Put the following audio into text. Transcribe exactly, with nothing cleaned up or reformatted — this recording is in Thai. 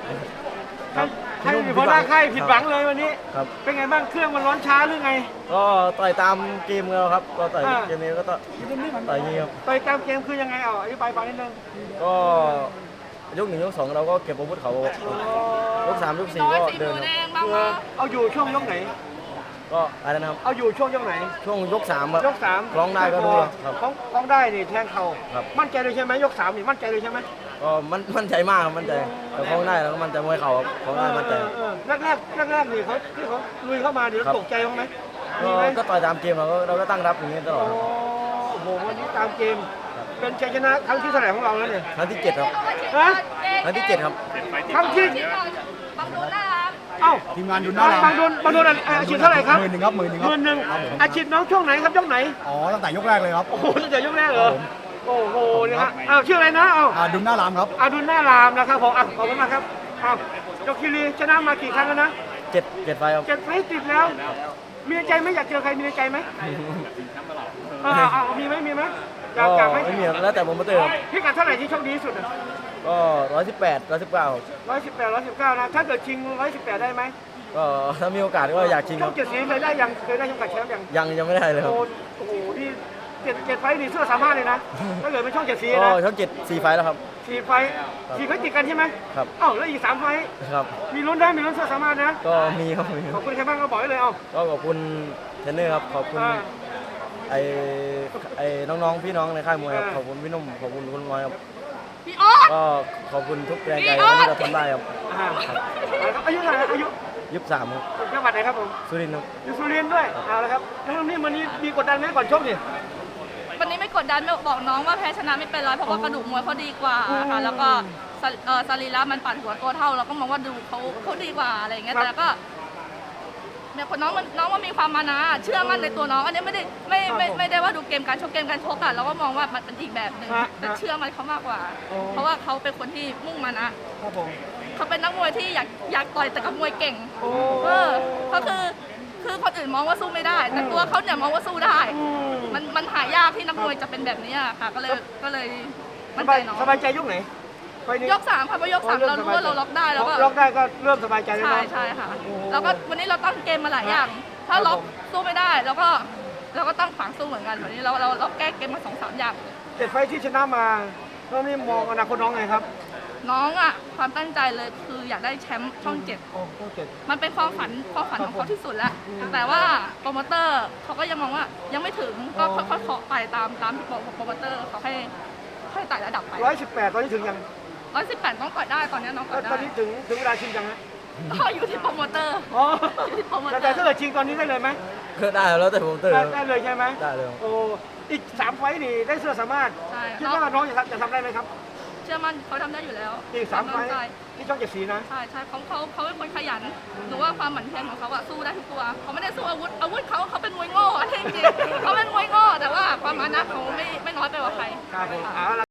ครับให้หัวหน้าค่ายผิดหวังเลยวันนี้ครับเป็นไงบ้างเครื่องมันร้อนช้าหรือไงก็ต่อยตามเกมเราครับก็ต่อยอ่าเกมนี้ก็ต่อยต่อยอย่างนี้ครับต่อยตามเกมคือยังไงเอาอธิบายฟังนิดนึงก็ยกหนึ่งยกสองเราก็เก็บอาวุธเขายกสามยกสี่น้อยก็สีเดิหนมูคแดรับงบ้างเอวะอเอาอยู่ช่วงยกไหนก็อะไรนะครับเอาอยู่ช่วงยกไหนช่วงยกสามครับยกสามร้องได้ก็ดูครับร้องร้องได้นี่แทงเข่าครับมั่นใจเลยใช่ไหมยกสามนี่มั่นใจเลยใช่ไหมก็มันมั่นใจมากครับมั่นใจแต่คล้องได้แล้วก็มั่นใจมวยเข่าครับคล้องได้มั่นใจเออเออแรกแรกแรกแรกๆนี่เขาที่เขาลุยเข้ามาเดี๋ยวครับตกใจบ้างไหมก็มีไหมก็ต่อยตามเกมเราก็เราก็ตั้งรับอย่างนี้ตลอดโอ้ครับโหวันนี้ตามเกม เป็นชัยชนะครั้งที่เท่าไหร่ของเราแล้วเนี่ยครั้งที่เจ็ดครับฮะครั้งที่เจ็ดครับครั้งที่บางดูนะครับเอ้าทีมงานดุนหน้าบางโดนบางโดนอาชีพเท่าไหร่ครับหมื่นหนึ่งครับหมื่นหนึ่งหครับมื่นหนึ่งอาชีพน้องช่วงไหนครับยกไหนอ๋อตั้งแต่ยกแรกเลยครับโอ้โหตั้งแต่ยกแรกเหรอโอ้โหนี่ฮะอ้าวชื่ออะไรนะเอ้าอ่าดุนหน้ารามครับอาดุลหน้ารามนะครับผมอ่ะขอบคุณมากครับอ้าวยกคีรีชนะมากี่ครั้งแล้วนะเจ็ดเจ็ดไฟครับเจ็ดไฟต์ติดแล้ว มีในใจไหมอยากเจอใครมีในใจไหมอ่าอ่ามีไหมมีไหมอยากก็อยากไหมไม่มีครับแล้วแต่โปรโมเตอร์ครับพิกัดเท่าไหร่ที่โชคดีที่สุดก็ร้อยสิบแปดร้อยสิบเก้าร้อยสิบแปดร้อยสิบเก้านะถ้าเกิดชิงร้อยสิบแปดได้ไหมก็ถ้ามีโอกาสก็อยากชิงคช่อรังบเจ็ดสีเคยได้ยังเคยได้ช่องกัดแชมป์ยังยังยังไม่ได้เลยครับโอ้โอ้โหนี่เจ็ดเจ็ดไฟต์นี่เสื้อสามารถเลยนะถ้าเกิดเป็นช่องเจ็ดสีก็นะช่องเจ็ดสี่ไฟล์แล้วครับสี่ไฟต์สี่ไฟต์ติดกันใช่ไหมครับเอ้าแล้วอีกสามไฟต์ครับมีลุ้นได้มีลุ้นเสื้อสามารถนะก็มีครับมีคขรัอบบ คุณใครบ้างก็บอกได้เลยเอ้าก็ขอบคุณเทรนเนอร์ครับขอบคุณอ่าไอ้ไอ้น้องๆพี่น้องในค่ายมวยครับอ่าขอบคุณพี่นุ่มขอบคุณคุณน้อยครับพี่อ๊อดก็ขอบคุณทุกแรงใจพี่อ๊อดที่เราทำได้ครับอ่าอายุเท่าไหร่อายุยี่สิบสามครับจังหวัดไหนครับผมสุรินทร์ครับอยู่สุรินทร์ด้วยเอาละครับแล้วนี่วันนี้มีกดดันไหมก่อนชกนี่วันนี้ไม่กดดันไม่บอกน้องว่าแพ้ชนะไม่เป็นไรเพราะว่ากระดูกมวยเขาดีกว่าค่ะแล้วก็สรีเอ่อสรีระมันปั่นหัวตัวเท่าเราก็มองว่าดูเขาเขาดีกว่าอะไรอย่างเงี้ยแต่ก็เนี่ยคนน้องมันน้องมันมีความมานะเชื่อมั่นในตัวน้องอันนี้ไม่ได้ไม่ไม่ไม่ได้ว่าดูเกมการชกเกมการชกอะเราก็มองว่ามันเป็นอีกแบบหนึ่งแต่เชื่อมันเขามากกว่า เพราะว่าเขาเป็นคนที่มุ่งมานะครับผมเขาเป็นนักมวยที่อยากอยากต่อยแต่กับมวยเก่งโอ้เออก็คือคือคนอื่นมองว่าสู้ไม่ได้ แต่ตัวเขาเนี่ยมองว่าสู้ได้อืมมันมันหายากที่นักมวยจะเป็นแบบนี้อะค่ะ ก็เลยก็เลยสมั่นบาใจยน้องสบายใจยกไหนไฟล์นี้ยกสามค่ะเพราะยกสามเรารู้ว่าเราล็อกได้แล้วก็ล็อกได้ก็เริ่มสบายใจแล้วใช่เนาะใช่ค่ะโอ้แล้วก็วันนี้เราตั้งเกมมาหลายอย่าง ถ้าล็อกสู้ไม่ได้เราก็เราก็ตั้งขวางสู้เหมือนกันวันนี้เราเราเราแก้เกมมาสองสามอย่างเจ็ดไฟล์ที่ชนะมาแล้วนี่มองอนาคตน้องไงครับน้องอ่ะความตั้งใจเลยคืออยากได้แชมป์ช่องเจ็ดโอ้โหเจ็ดมันเป็นความฝันความฝันของครับผมเขาที่สุดแล้วอืมแต่ว่าโปรโมเตอร์เขาก็ยังมองว่ายังไม่ถึงก็อ๋อค่อยๆเคาะไปตามตามที่โปรโปรโมเตอร์เขาให้ให้ไต่ระดับไปร้อยสิบแปดตอนนี้ถึงยังร้อยสิบแปดต้องต่อยได้ตอนนี้น้องต่อยตได้อนนี้ถึงถึงเวลาชิงยังฮะก็อยู่ที่โปรโมเตอร์อ๋ออยู่ที่โปรโมเตอแต่ร์ถ้าเกิดชิงตอนนี้ได้เลยไหมก็ได้แล้วแต่โปรโมเตอร์ได้ครับได้เลยใช่ไหมได้เลยครับโอ้อีกสามไฟล์นี่ได้เสื้อสามารถใช่คิดน้องว่าน้องจะทำจะทำได้ไหมครับเชื่อมั่นเขาทำได้อยู่แล้วอีกสามไฟควล์ตั้งใจที่ช่องเจ็ดสีนะใช่ใช่เขาเขาเขาเป็นคนขยันหนูว่าความหมั่นเพียรของเขาอะสู้ได้ทุกตัวเขาไม่ได้สู้อาวุธอาวุธเขาเขาเป็นมวยโง่อันนี้จริงๆเขาเป็นมวยโง่แต่ว่าความมานะเขาไม่ไม่น้อยไปกว่าใครครับผมเอาละ